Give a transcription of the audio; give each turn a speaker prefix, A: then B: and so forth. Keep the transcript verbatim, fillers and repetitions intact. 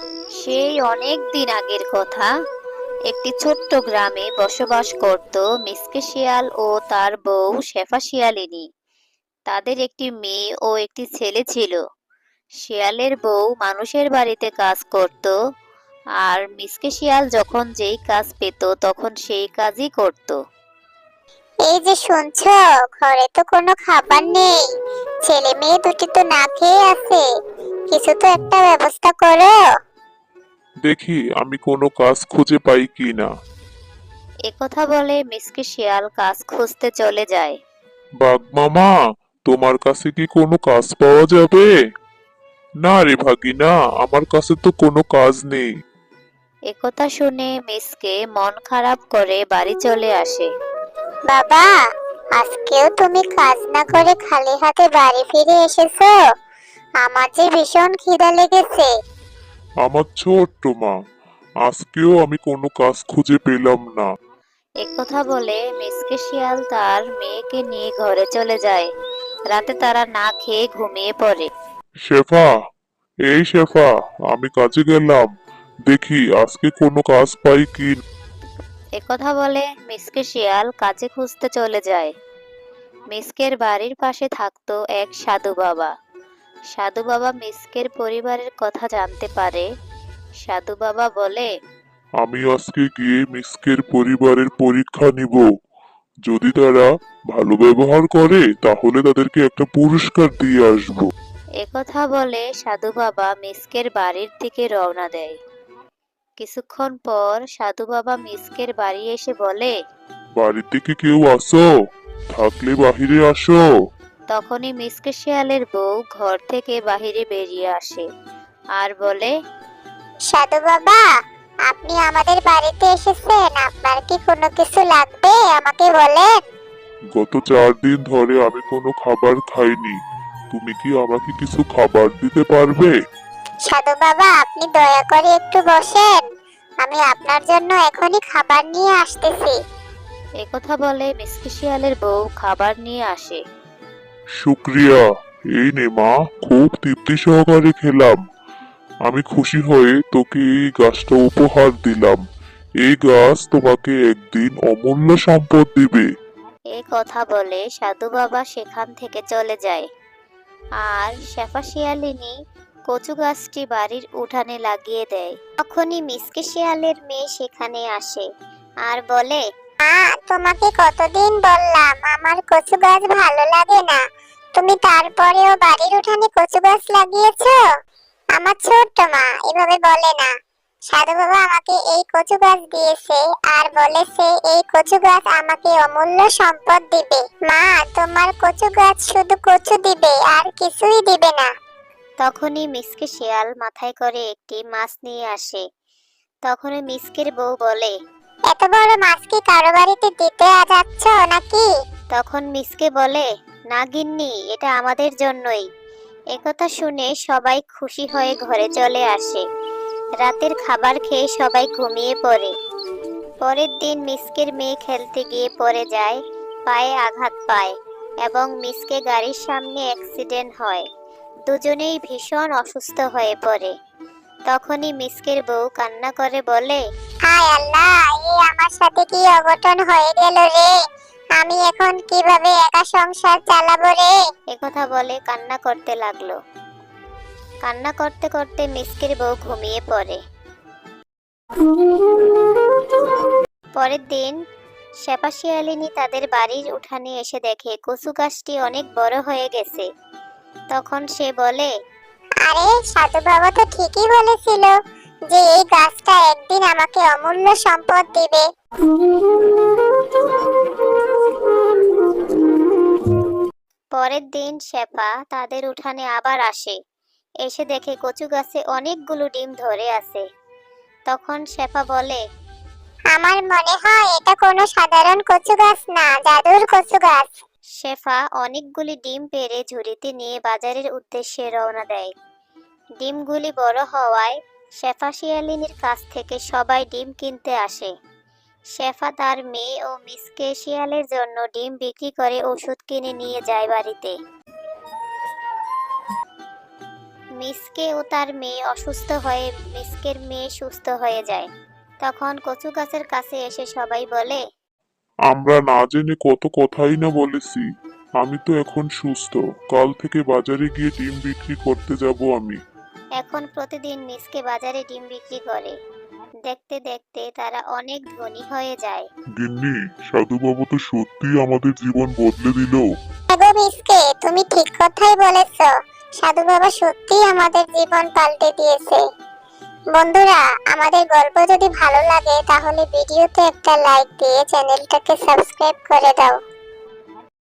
A: সেই অনেক দিন আগের কথা। একটি ছোট্ট গ্রামে বসবাস করত মিসকে শিয়াল ও তার বউ শেফা শিয়ালিনী। তাদের একটি মেয়ে ও একটি ছেলে ছিল। শিয়ালের বউ মানুষের বাড়িতে কাজ করত, আর মিসকে শিয়াল যখন যেই কাজ পেত তখন সেই কাজই করত।
B: এই যে শুনছো, ঘরে তো কোনো খাবার নেই। ছেলে মেয়ে দুটি তো না খেয়ে আছে। কিছু তো একটা ব্যবস্থা করো।
C: দেখি আমি কোনো কাজ খুঁজে পাই কি না।
A: একথা বলে মিসকে শিয়াল কাজ খুঁজতে চলে যায়।
C: বাঘ মামা, তোমার কাছে কি কোনো কাজ পাওয়া যাবে? না রে ভাগিনা, আমার কাছে তো কোনো কাজ নেই।
A: একথা শুনে মিসকে মন খারাপ করে বাড়ি চলে আসে।
B: বাবা, আজকেও তুমি কাজ না করে খালি হাতে বাড়ি ফিরে এসেছো। আমার যে ভীষণ খিদা লেগেছে।
C: আমার ছোট্ট মা, আজকেও আমি কোনো কাজ খুঁজে পেলাম না।
A: একথা বলে মিসকে শিয়াল তার মেয়েকে নিয়ে ঘরে চলে যায়। রাতে তারা না খেয়ে ঘুমিয়ে পড়ে।
C: শেফা, এই শেফা, আমি কাজে গেলাম। দেখি আজকে কোনো কাজ পাই কি।
A: একথা বলে মিসকে শিয়াল কাজে খুঁজতে চলে যায়। মিসকের বাড়ির পাশে থাকতো এক সাধু বাবা। সাধু বাবা মিসকের পরিবারের কথা জানতে পারে। সাধু বাবা বলে,
C: আমি আজকে গিয়ে মিসকের পরিবারের পরীক্ষা নিব। যদি তারা ভালো ব্যবহার করে তাহলে তাদেরকে একটা পুরস্কার দিয়ে আসবো।
A: একথা বলে সাধু বাবা মিসকের বাড়ির দিকে রওনা দেয়। কিছুক্ষণ পর সাধু বাবা মিসকের বাড়ি এসে বলে,
C: বাড়িতে কি কেউ আসো? থাকলে বাহিরে আসো।
A: তখনই মিসকে শিয়ালের বউ ঘর থেকে বাহিরে বেরিয়ে আসে আর বলে,
B: সাধু বাবা, আপনি আমাদের বাড়িতে এসেছেন। আপনার কি কোনো কিছু লাগবে আমাকে বলেন।
C: গত চার দিন ধরে আমি কোনো খাবার খাইনি। তুমি কি আমাকে কিছু খাবার দিতে পারবে?
B: সাধু বাবা, আপনি দয়া করে একটু বসেন। আমি আপনার জন্য এখনই খাবার নিয়ে আসতেছি।
A: একথা বলে মিসকে শিয়ালের বউ খাবার নিয়ে আসে।
C: শুক্রিয়া। এই নে মা, খুব তৃপ্তি সহকারে খেলাম। আমি খুশি হয়ে তোকে এই গাছটা উপহার দিলাম। এই গাছ তোমাকে একদিন অমূল্য সম্পদ দিবে।
A: এই কথা বলে সাধু বাবা সেখান থেকে চলে যায়। আর শেফা শিয়ালিনী কচু গাছটি বাড়ির উঠানে লাগিয়ে দেয়। তখনই মিসকে শিয়ালের মেয়ে সেখানে আসে আর বলে,
B: মা, তোমাকে কতদিন বললাম আমার কচু গাছ ভালো লাগে না, তুমি তারপরেও বাড়ির উঠানে কচু গাছ লাগিয়েছো। আমার ছোট্ট মা এভাবে বলে না। সাধু বাবা আমাকে এই কচু গাছ দিয়েছে আর বলেছে এই কচু গাছ আমাকে অমূল্য সম্পদ দিবে। মা, তোমার কচু গাছ শুধু কচু দিবে আর কিছুই দিবে না।
A: তখনই মিসকে শিয়াল মাথায় করে একটি মাছ নিয়ে আসে। তখনই মিসকের বউ বলে,
B: এত বড় মাছ কি কারো বাড়িতে দিতে যাচ্ছ নাকি?
A: তখন মিসকে বলে, না গিন্নি, এটা আমাদের জন্যই। একথা শুনে সবাই খুশি হয়ে ঘরে চলে আসে। রাতের খাবার খেয়ে সবাই ঘুমিয়ে পড়ে। পরের দিন মিসকের মেয়ে খেলতে গিয়ে পড়ে যায়, পায়ে আঘাত পায় এবং মিসকে গাড়ির সামনে অ্যাক্সিডেন্ট হয়। দুজনেই ভীষণ অসুস্থ হয়ে পড়ে। তখনই মিসকের বউ কান্না করে বলে,
B: হায় আল্লাহ, এই আমার সাথে কি অঘটন হয়ে গেল রে। আমি এখন কিভাবে একা সংসার চালাবো রে।
A: একথা বলে কান্না করতে লাগলো। কান্না করতে করতে মিসকের বউ ঘুমিয়ে পড়ে। পরের দিন শেফা শিয়ালিনী তাদের বাড়ির উঠানে এসে দেখে কচু গাছটি অনেক বড় হয়ে গেছে। তখন সে বলে,
B: আরে, সাধু বাবা তো ঠিকই বলেছিল যে এই গাছটা একদিন আমাকে অমূল্য সম্পদ দিবে।
A: পরের দিন শেফা তাদের উঠানে আবার আসে। এসে দেখে কচু গাছে অনেকগুলো ডিম ধরে আছে। তখন শেফা বলে,
B: আমার মনে হয় এটা কোনো সাধারণ কচু গাছ না, জাদুর কচু গাছ।
A: শেফা অনেকগুলি ডিম পেড়ে ঝুড়িতে নিয়ে বাজারের উদ্দেশ্যে রওনা দেয়। ডিমগুলি বড় হওয়ায় শেফা শিয়ালিনীর কাছ থেকে সবাই ডিম কিনতে আসে। শেফা তার মেয়ে ও মিসকে শিয়ালের জন্য ডিম বিক্রি করে ওষুধ কিনে নিয়ে যায় বাড়িতে। মিসকে ও তার মেয়ে অসুস্থ হয়ে মিসকের মেয়ে সুস্থ হয়ে যায়। তখন কচু গাছের কাছে এসে সবাই বলে,
C: আমরা না জেনে কত কথাই না বলেছি। আমি তো এখন সুস্থ, কাল থেকে বাজারে গিয়ে ডিম বিক্রি করতে যাব আমি।
A: এখন প্রতিদিন মিসকে বাজারে ডিম বিক্রি করে। দেখতে দেখতে তারা অনেক ধনী হয়ে যায়।
C: গিন্নি, সাধু বাবু তো সত্যি আমাদের জীবন বদলে দিল।
B: গো মিসকে, তুমি ঠিক কথাই বলেছো। সাধু বাবা সত্যিই আমাদের জীবন পাল্টে দিয়েছে। বন্ধুরা, আমাদের গল্প যদি ভালো লাগে তাহলে ভিডিওতে একটা লাইক দিয়ে চ্যানেলটাকে সাবস্ক্রাইব করে দাও।